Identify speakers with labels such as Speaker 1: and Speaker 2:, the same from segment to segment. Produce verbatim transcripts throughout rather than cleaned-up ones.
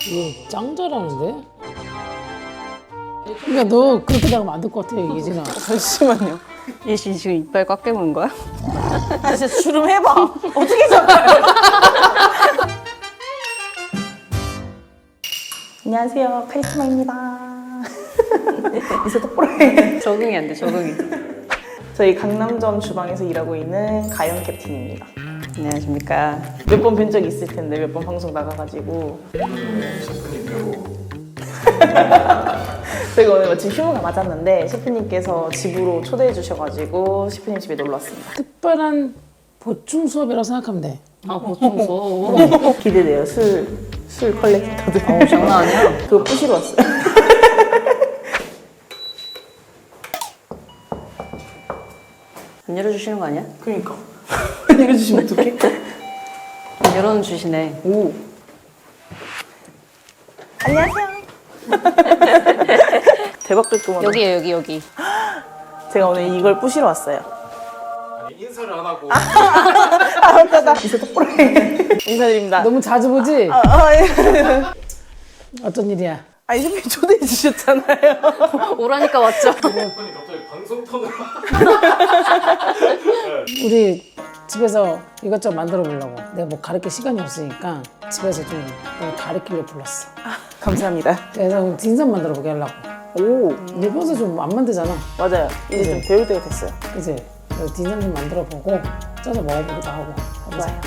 Speaker 1: 이거 짱 잘하는데? 그러니까 너 그렇게 나가면 안 될 것 같아, 예진아.
Speaker 2: 잠시만요.
Speaker 3: 예시 지금 이빨 꽉 깨문 거야?
Speaker 2: 아 진짜 주름 해봐. 어떻게 잡아요? 안녕하세요, 카리스마입니다. 이제 똑바로 해.
Speaker 3: 적응이 안 돼, 적응이.
Speaker 2: 저희 강남점 주방에서 일하고 있는 가영 캡틴입니다.
Speaker 3: 안녕하십니까.
Speaker 2: 몇 번 뵌 적 있을 텐데 몇 번 방송 나가가지고 저희가 오늘 마침 휴무가 맞았는데 셰프님께서 집으로 초대해 주셔가지고 셰프님 집에 놀러 왔습니다.
Speaker 1: 특별한 보충 수업이라고 생각하면 돼.
Speaker 3: 아, 보충 수업.
Speaker 2: 기대돼요. 술, 술 컬렉터들.
Speaker 3: 어, 장난 아니야.
Speaker 2: 그거 부시러 왔어요.
Speaker 3: 안 열어주시는 거 아니야?
Speaker 2: 그러니까. 읽어주시면 어떡해?
Speaker 3: 안 열어는 주시네.
Speaker 2: 오. 안녕하세요. 대박 뜰끔하다.
Speaker 3: 여기에요, 여기, 여기.
Speaker 2: 제가 오늘 이걸 부시러 왔어요.
Speaker 4: 아니 인사를 안 하고
Speaker 2: 아, 맞다, 나. 이제 똑바로 해. 인사드립니다.
Speaker 1: 너무 자주 보지?
Speaker 2: 아, 아, 예.
Speaker 1: 어떤 일이야?
Speaker 2: 아, 이 선배님 초대해 주셨잖아요.
Speaker 3: 오라니까 왔죠.
Speaker 4: 셰프님 갑자기 방송 톤으로
Speaker 1: 우리 집에서 이것저것 만들어 보려고. 내가 뭐 가르칠 시간이 없으니까 집에서 좀 내가 가르치려고 불렀어.
Speaker 2: 감사합니다.
Speaker 1: 그래서 딘섬 만들어 보게 하려고.
Speaker 2: 오,
Speaker 1: 일본에서 좀 안 만들잖아.
Speaker 2: 맞아요. 이제 좀 배울 때가 됐어요.
Speaker 1: 그치? 그래서 딘섬 좀 만들어 보고 쪄서 먹어보기도 하고.
Speaker 2: 좋아요.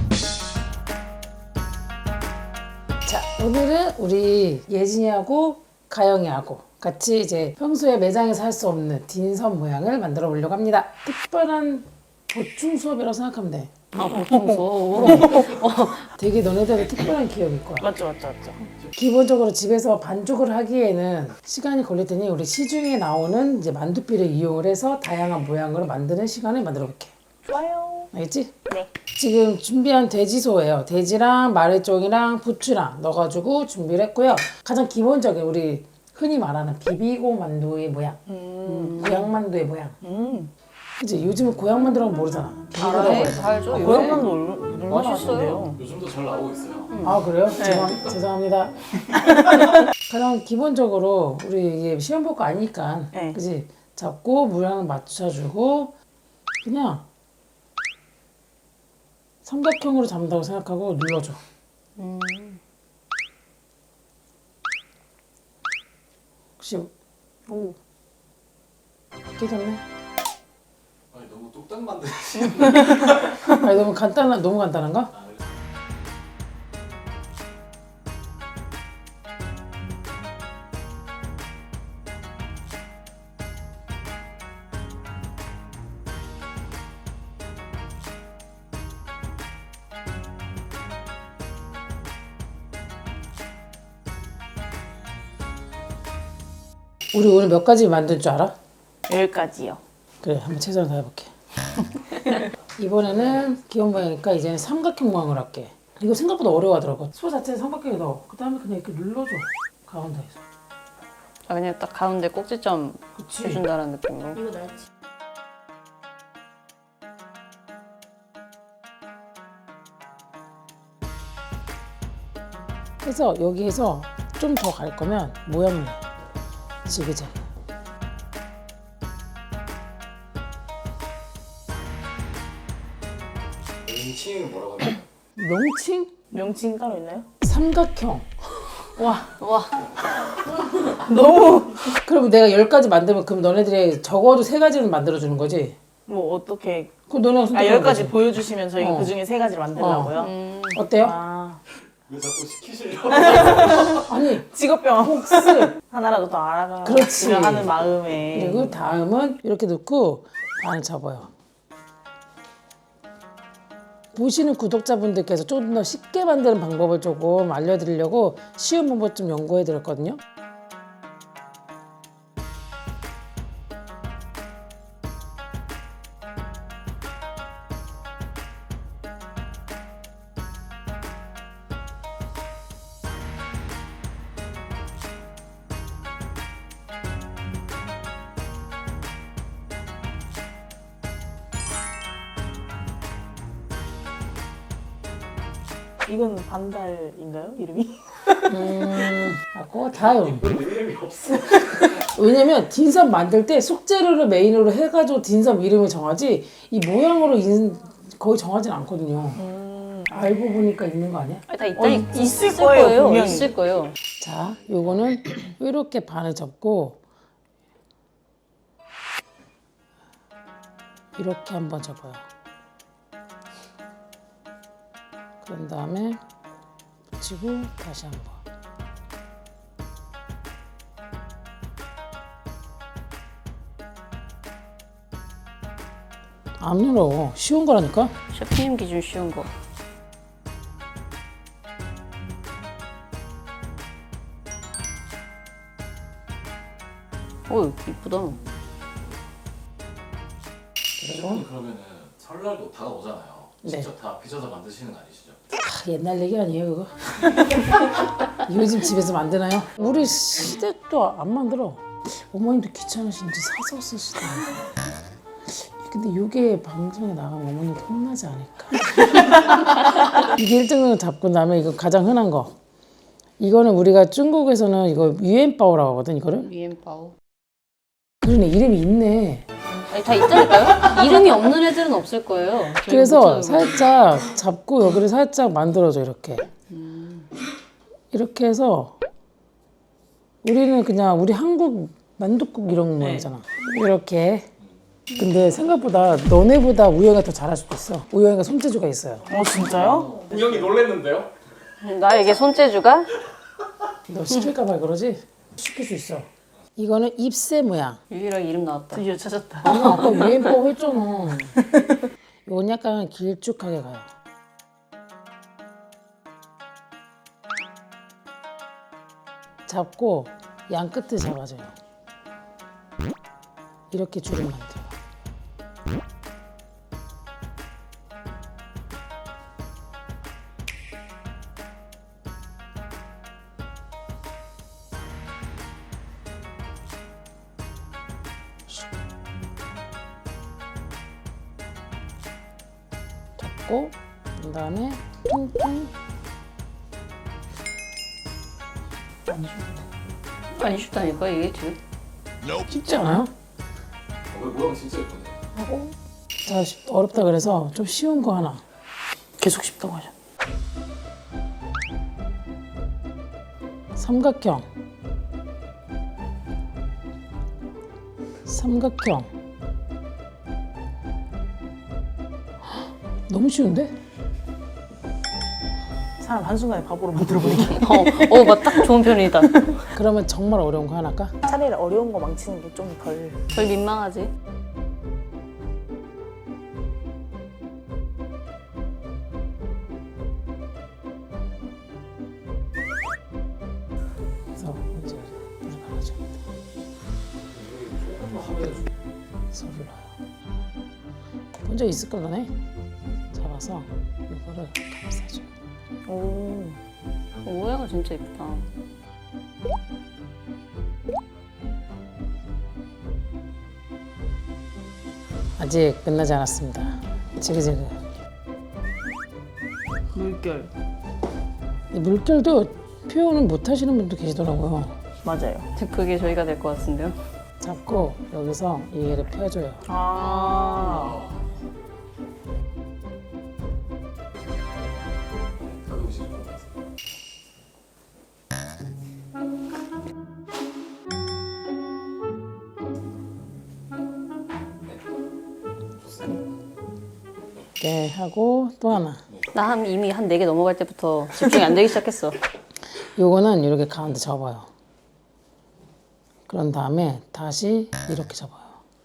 Speaker 1: 자, 오늘은 우리 예진이하고 가영이하고 같이 이제 평소에 매장에서 할 수 없는 딘섬 모양을 만들어 보려고 합니다. 특별한 보충 수업이라고 생각하면 돼.
Speaker 3: 아, 보충 수업.
Speaker 1: 되게 너네들의 특별한 기억일 거야.
Speaker 2: 맞죠, 맞죠, 맞죠.
Speaker 1: 기본적으로 집에서 반죽을 하기에는 시간이 걸릴 테니 우리 시중에 나오는 이제 만두피를 이용을 해서 다양한 모양으로 만드는 시간을 만들어 볼게.
Speaker 2: 좋아요.
Speaker 1: 알겠지?
Speaker 2: 네.
Speaker 1: 지금 준비한 돼지소예요. 돼지랑 마늘종이랑 부추랑 넣어가지고 준비를 했고요. 가장 기본적인 우리 흔히 말하는 비비고 만두의 모양,
Speaker 2: 음.
Speaker 1: 고향 만두의 모양.
Speaker 2: 음.
Speaker 1: 이제 요즘은 고향 만두라고 모르잖아. 비비고라고
Speaker 3: 알아요.
Speaker 1: 해서.
Speaker 3: 다 알죠.
Speaker 2: 고향만도 얼마나
Speaker 3: 맛있어요.
Speaker 2: 맛있어요.
Speaker 4: 요즘도 잘 나오고 있어요.
Speaker 1: 아 그래요? 죄송, 죄송합니다. 그럼 기본적으로 우리 이게 시험 볼 거 아니니까,
Speaker 2: 네.
Speaker 1: 그지? 잡고 모양을 맞춰주고 그냥 삼각형으로 잡는다고 생각하고 눌러줘.
Speaker 3: 음.
Speaker 1: 혹시
Speaker 2: 오.
Speaker 1: 깨졌네?
Speaker 4: 아니 너무 뚝딱 만드시.
Speaker 1: 아니 너무 간단한 너무 간단한가? 우리 오늘 몇 가지 만들 줄 알아?
Speaker 2: 열 가지요.
Speaker 1: 그래, 한번 최선을 다해볼게. 이번에는 기본 모양이니까 이제는 삼각형 모양을 할게. 이거 생각보다 어려워하더라고. 소 자체는 삼각형에 넣어. 그 다음에 그냥 이렇게 눌러줘. 가운데에서.
Speaker 3: 아, 그냥 딱 가운데 꼭지점
Speaker 1: 그치.
Speaker 3: 해준다는 느낌으로.
Speaker 2: 이거 날지.
Speaker 1: 그래서 여기에서 좀 더 갈 거면 모양을 내. 지그재그.
Speaker 4: 명칭은 뭐라고 하나요?
Speaker 1: 명칭?
Speaker 2: 명칭 따로 있나요?
Speaker 1: 삼각형.
Speaker 2: 와,
Speaker 3: 와,
Speaker 2: 너무.
Speaker 1: 그럼 내가 열 가지 만들면 그럼 너네들이 적어도 세 가지는 만들어주는 거지?
Speaker 2: 뭐 어떻게?
Speaker 1: 그럼 너네가
Speaker 2: 아,
Speaker 1: 선택하는
Speaker 2: 열 가지
Speaker 1: 거지.
Speaker 2: 보여주시면 저희가
Speaker 1: 어.
Speaker 2: 그 중에 세 가지를 만들라고요.
Speaker 3: 음.
Speaker 1: 어때요?
Speaker 2: 아,
Speaker 4: 왜 자꾸 시키시려고?
Speaker 1: 아니
Speaker 2: 직업병.
Speaker 1: 혹시
Speaker 2: 하나라도 더 알아가.
Speaker 1: 그렇지.
Speaker 2: 하는 마음에.
Speaker 1: 그리고 다음은 이렇게 넣고 반을 접어요. 보시는 구독자분들께서 좀 더 쉽게 만드는 방법을 조금 알려드리려고 쉬운 방법 좀 연구해드렸거든요.
Speaker 2: 이건 반달인가요? 이름이?
Speaker 1: 음, 하고 다음.
Speaker 4: 왜 이름이 없어?
Speaker 1: 왜냐면 딘섬 만들 때 속재료를 메인으로 해가지고 딘섬 이름을 정하지 이 모양으로 인, 거의 정하진 않거든요.
Speaker 2: 음.
Speaker 1: 알고 보니까 있는 거 아니야?
Speaker 3: 아니, 다 있다
Speaker 2: 어,
Speaker 3: 있,
Speaker 2: 있을
Speaker 3: 있을
Speaker 2: 거예요,
Speaker 3: 거예요.
Speaker 2: 분명히.
Speaker 3: 있을 거예요.
Speaker 1: 자, 요거는 이렇게 반을 접고 이렇게 한번 접어요. 그런 다음에 붙이고 다시 한번. 안 눌러. 쉬운 거라니까?
Speaker 3: 셰프님 기준 쉬운 거. 오, 이쁘다.
Speaker 4: 셰프님 그러면은 설날도 다가오잖아요.
Speaker 1: 네.
Speaker 4: 직접 다 빚어서 만드시는 거 아니시죠?
Speaker 1: 아, 옛날 얘기 아니에요 그거? 요즘 집에서 만드나요? 우리 시댁도 안 만들어. 어머님도 귀찮으신지 사서 쓰시더라고요. 근데 이게 방송에 나가면 어머님도 혼나지 않을까? 이게 일 등을 잡고 나면 이거 가장 흔한 거. 이거는 우리가 중국에서는 이거 유엔바오라고 하거든 이거를.
Speaker 3: 위엔바오.
Speaker 1: 그러네 이름이 있네.
Speaker 3: 아니, 다 있다니까요? 이름이 없는 애들은 없을 거예요. 저희
Speaker 1: 그래서
Speaker 3: 못 찾아보고.
Speaker 1: 살짝 잡고 여기를 살짝 만들어줘 이렇게. 이렇게 해서 우리는 그냥 우리 한국 만둣국 이런 모양이잖아. 이렇게. 근데 생각보다 너네보다 우영이가 더 잘할 수도 있어. 우영이가 손재주가 있어요.
Speaker 2: 어 진짜요?
Speaker 4: 우영이 놀랬는데요?
Speaker 3: 나에게 손재주가?
Speaker 1: 너 시킬까봐 그러지? 시킬 수 있어. 이거는 잎새 모양.
Speaker 3: 유일하게 이름 나왔다.
Speaker 2: 드디어 찾았다.
Speaker 1: 아니 아까 유엔바오 했잖아. 이건 약간 길쭉하게 가요. 잡고 양 끝을 잡아줘요. 이렇게 줄을 만들어. 잡고 그다음에 퉁퉁.
Speaker 3: 아니, 쉽다니까, 이게 지금.
Speaker 1: 쉽지 않아요?
Speaker 4: 어, 모양 진짜 예쁘네.
Speaker 1: 하고 자 쉽- 어렵다 그래서 좀 쉬운 거 하나.
Speaker 2: 계속 쉽다고 하셨.
Speaker 1: 삼각형. 삼각형. 너무 쉬운데?
Speaker 2: 사람 한순간에 바보로 만들어버리기.
Speaker 3: 어, 어, 맞딱 좋은 편이다.
Speaker 1: 그러면 정말 어려운 거 하나 할까?
Speaker 2: 차라리 어려운 거 망치는 게 좀 덜.
Speaker 3: 덜 민망하지.
Speaker 1: 그래서 먼저 물을 갈아줘.
Speaker 4: 조금만 하면
Speaker 1: 소를 넣어요. 먼저 있을 걸 너네. 잡아서 이거를 감싸줘요.
Speaker 2: 오.
Speaker 3: 오해가 진짜 이쁘다.
Speaker 1: 아직 끝나지 않았습니다. 지그재그.
Speaker 2: 물결.
Speaker 1: 이 물결도 표현을 못 하시는 분도 계시더라고요.
Speaker 2: 맞아요.
Speaker 3: 그게 저희가 될 것 같은데요.
Speaker 1: 잡고 여기서 얘를 펴줘요.
Speaker 2: 아.
Speaker 4: 가끔씩 좀 봤어요.
Speaker 1: 이렇게 하고 또 하나.
Speaker 3: 나 한 이미 한 네 개 넘어갈 때부터 집중이 안 되기 시작했어.
Speaker 1: 요거는 이렇게 가운데 접어요. 그런 다음에 다시 이렇게 접어요.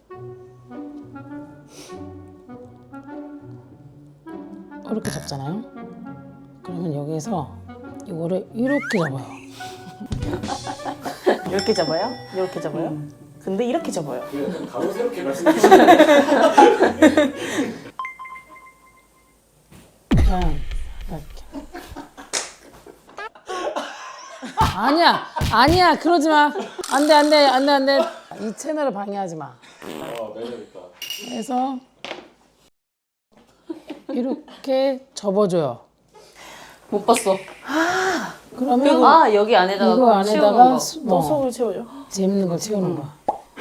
Speaker 1: 이렇게 접잖아요. 그러면 여기에서 이거를 이렇게 접어요.
Speaker 2: 이렇게 잡아요? 이렇게 잡아요? 근데 이렇게 잡아요.
Speaker 4: 그 약간 가로세롭게 말씀해주시는
Speaker 1: 그냥 이렇게. 아니야, 아니야, 그러지 마. 안 돼, 안 돼, 안 돼, 안 돼. 이 채널을 방해하지 마.
Speaker 4: 아, 매력있다.
Speaker 1: 그래서 이렇게 접어줘요.
Speaker 3: 못 봤어.
Speaker 1: 그러면
Speaker 3: 아 여기 안에다가
Speaker 1: 이거
Speaker 3: 채우는
Speaker 1: 안에다가
Speaker 3: 거.
Speaker 1: 수-
Speaker 2: 또
Speaker 1: 어,
Speaker 2: 속을 채우죠.
Speaker 1: 재밌는 걸 채우는 거야.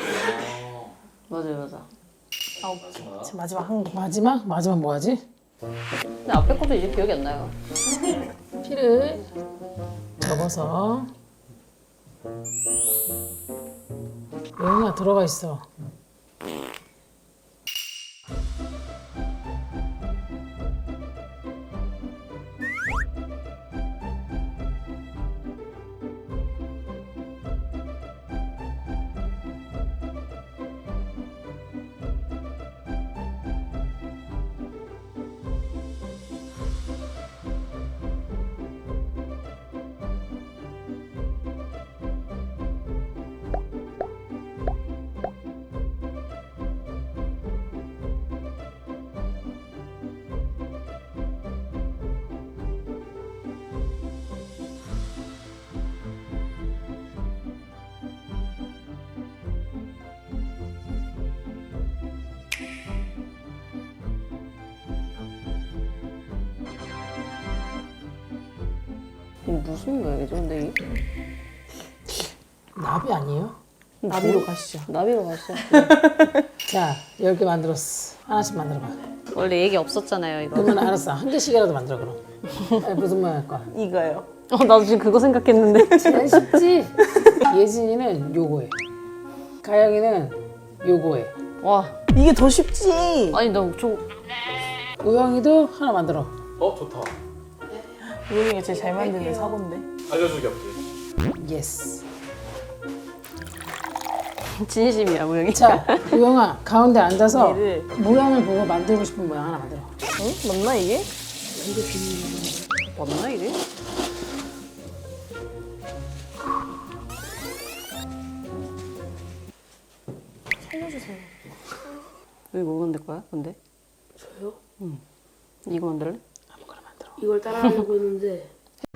Speaker 3: 맞아요 맞아.
Speaker 4: 마지막.
Speaker 2: 지금 마지막 한 개.
Speaker 1: 마지막? 마지막 뭐 하지?
Speaker 3: 근데 앞에 것도 이제 기억이 안 나요.
Speaker 1: 피를 접어서 여기가 들어가 있어.
Speaker 3: 이게 무슨 모양이죠 근데 이게?
Speaker 1: 나비 아니에요?
Speaker 2: 나비로 가시죠.
Speaker 3: 나비로 갔어.
Speaker 1: 자, 열 개 만들었어. 하나씩 만들어봐.
Speaker 3: 원래 얘기 없었잖아요 이거.
Speaker 1: 그러면 알았어. 한 개씩이라도 만들어 그럼. 아니, 무슨 모양 할 거야?
Speaker 2: 이거요.
Speaker 3: 어 나도 지금 그거 생각했는데.
Speaker 1: 제일 쉽지? 예진이는 요거해. 가영이는 요거해.
Speaker 3: 와
Speaker 2: 이게 더 쉽지.
Speaker 3: 아니 나저
Speaker 1: 우영이도 하나 만들어.
Speaker 4: 어 좋다.
Speaker 2: 우영이가 제일 잘 만드는 사고인데.
Speaker 4: 알려주기 없지.
Speaker 1: 예스.
Speaker 3: 진심이야 모양이.
Speaker 1: 자, 우영아 가운데 앉아서
Speaker 2: 얘를
Speaker 1: 모양을 보고 만들고 싶은 모양 하나 만들어.
Speaker 2: 응? 맞나 이게?
Speaker 3: 맞나 이게?
Speaker 2: 살려주세요.
Speaker 3: 이거 뭐 만들 거야 근데?
Speaker 5: 저요?
Speaker 3: 응. 이거 만들래?
Speaker 1: 아무거나 만들어.
Speaker 5: 이걸 따라하려고 했는데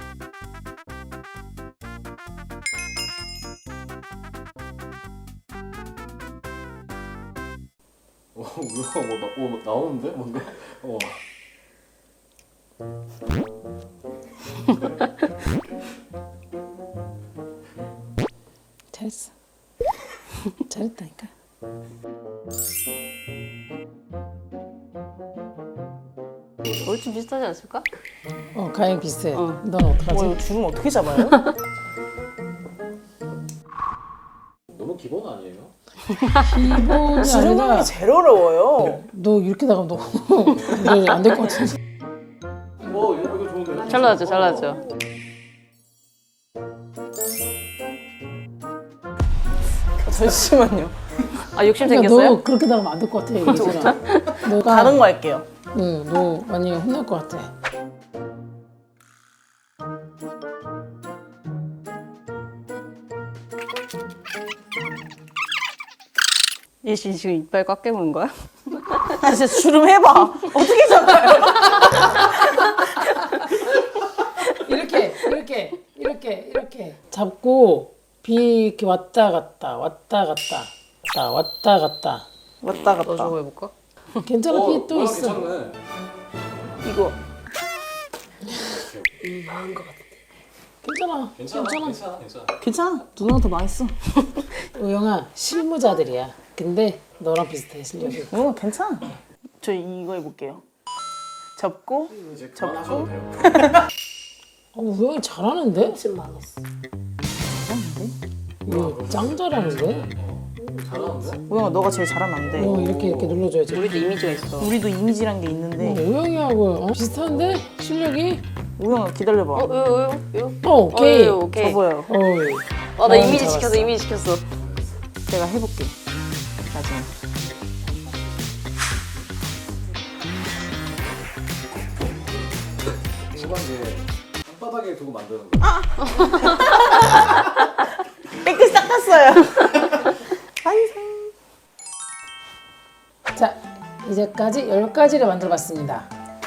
Speaker 4: 어 뭐야 뭐, 나, 뭐, 뭐 나오는데 뭔가. 어.
Speaker 1: 잘했어. 잘했다니까.
Speaker 3: 얼추 비슷하지 않을까?
Speaker 1: 어, 가영 비슷해.
Speaker 3: 어.
Speaker 1: 넌 어떡하지?
Speaker 2: 와 이거 주름 어떻게 잡아요?
Speaker 4: 너무 기본 아니에요?
Speaker 1: 기본이
Speaker 2: 주름 하는
Speaker 1: 아니라
Speaker 2: 게 제일 어려워요.
Speaker 1: 너 이렇게 나가면 너안될 것 같은데.
Speaker 4: 어 이거 이거 좋은데.
Speaker 3: 잘 나왔죠 잘 나왔죠.
Speaker 2: 잠시만요.
Speaker 3: 아 욕심
Speaker 1: 그러니까
Speaker 3: 생겼어요?
Speaker 1: 너 그렇게 나가면 안 될 것 같아. 예진아. 너가
Speaker 2: 다른 거 할게요.
Speaker 1: 응, 너 많이 혼날 것 같아.
Speaker 3: 예시 지금 이빨 꽉 깨무는 거야?
Speaker 2: 아 진짜 주름 해봐. 어떻게 잡아요?
Speaker 1: 이렇게, 이렇게, 이렇게, 이렇게 잡고 비 이렇게 왔다 갔다, 왔다 갔다, 왔다 왔다 갔다.
Speaker 2: 왔다
Speaker 3: 너
Speaker 2: 갔다.
Speaker 3: 저거 해볼까?
Speaker 1: 괜찮아,
Speaker 4: 어,
Speaker 1: 비 또
Speaker 4: 모양
Speaker 1: 있어.
Speaker 4: 괜찮네.
Speaker 2: 이거
Speaker 5: 음, 망한 것 같아.
Speaker 1: 괜찮아,
Speaker 4: 괜찮아
Speaker 1: 괜찮아.
Speaker 4: 괜찮아 괜찮아.
Speaker 2: 괜찮아. 누나가 더 많이 써.
Speaker 1: 우영아, 실무자들이야. 근데 너랑 비슷해 실력이.
Speaker 2: 누나 괜찮아. 저 이거 해볼게요. 접고
Speaker 4: 이제
Speaker 2: 접고.
Speaker 4: 그만하셔도 돼요.
Speaker 1: 어, 우영이 잘하는데?
Speaker 5: 지금 망했어.
Speaker 1: 이거 짱 잘하는데?
Speaker 4: 잘하는데?
Speaker 2: 우영아 너가 제일 잘하면 안 돼.
Speaker 1: 어, 이렇게 이렇게 눌러줘야지.
Speaker 3: 우리도 이미지가 있어.
Speaker 2: 우리도 이미지란 게
Speaker 1: 어,
Speaker 2: 있는데
Speaker 1: 우영이하고 어? 비슷한데? 실력이?
Speaker 2: 우영아 기다려봐.
Speaker 3: 어, 요, 요, 요.
Speaker 1: 어, 오케이.
Speaker 3: 어, 요, 오케이.
Speaker 2: 접어요.
Speaker 1: 어이.
Speaker 3: 아, 나
Speaker 1: 어,
Speaker 3: 이미지
Speaker 1: 잡았어.
Speaker 3: 시켰어, 이미지 시켰어.
Speaker 2: 제가 해볼게. 나중에.
Speaker 4: 중간에 땅바닥에 두고 만드는 거.
Speaker 2: 깨끗이 닦았어요. 완성.
Speaker 1: 자, 이제까지 열 가지를 만들어봤습니다.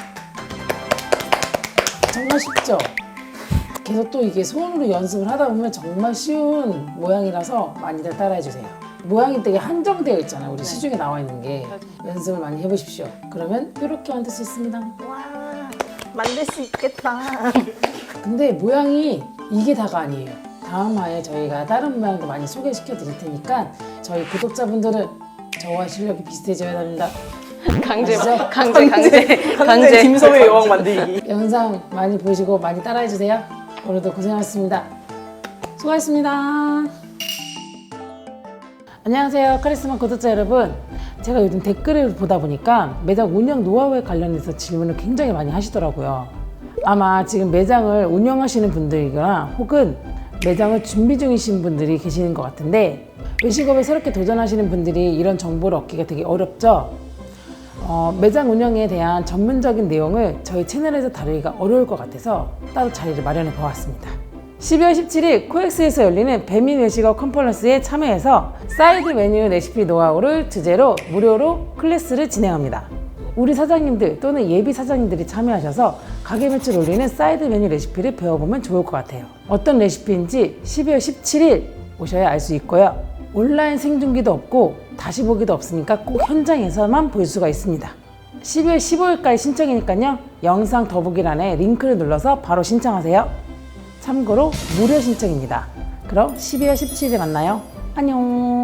Speaker 1: 정말 쉽죠? 계속 또 이게 손으로 연습을 하다 보면 정말 쉬운 모양이라서 많이들 따라해주세요. 모양이 되게 한정되어 있잖아요. 우리 시중에 나와 있는 게. 연습을 많이 해보십시오. 그러면 이렇게 만들 수 있습니다.
Speaker 2: 와. 만들 수 있겠다.
Speaker 1: 근데 모양이 이게 다가 아니에요. 다음 화에 저희가 다른 모양도 많이 소개시켜 드릴 테니까 저희 구독자분들은 저와 실력이 비슷해져야 합니다.
Speaker 3: 강제,
Speaker 1: 아시죠?
Speaker 3: 강제, 강제,
Speaker 2: 강제 김소의 여왕 만들기.
Speaker 1: 영상 많이 보시고 많이 따라해 주세요. 오늘도 고생하셨습니다. 수고하셨습니다. 안녕하세요. 카리스마 구독자 여러분. 제가 요즘 댓글을 보다 보니까 매장 운영 노하우에 관련해서 질문을 굉장히 많이 하시더라고요. 아마 지금 매장을 운영하시는 분들이거나 혹은 매장을 준비 중이신 분들이 계시는 것 같은데 외식업에 새롭게 도전하시는 분들이 이런 정보를 얻기가 되게 어렵죠. 어, 매장 운영에 대한 전문적인 내용을 저희 채널에서 다루기가 어려울 것 같아서 따로 자리를 마련해 보았습니다. 십이월 십칠일 코엑스에서 열리는 배민 외식업 컨퍼런스에 참여해서 사이드 메뉴 레시피 노하우를 주제로 무료로 클래스를 진행합니다. 우리 사장님들 또는 예비 사장님들이 참여하셔서 가게 매출 올리는 사이드 메뉴 레시피를 배워보면 좋을 것 같아요. 어떤 레시피인지 십이월 십칠일 오셔야 알 수 있고요. 온라인 생중계도 없고 다시 보기도 없으니까 꼭 현장에서만 볼 수가 있습니다. 십이월 십오일까지 신청이니까요. 영상 더보기란에 링크를 눌러서 바로 신청하세요. 참고로 무료 신청입니다. 그럼 십이월 십칠일에 만나요. 안녕.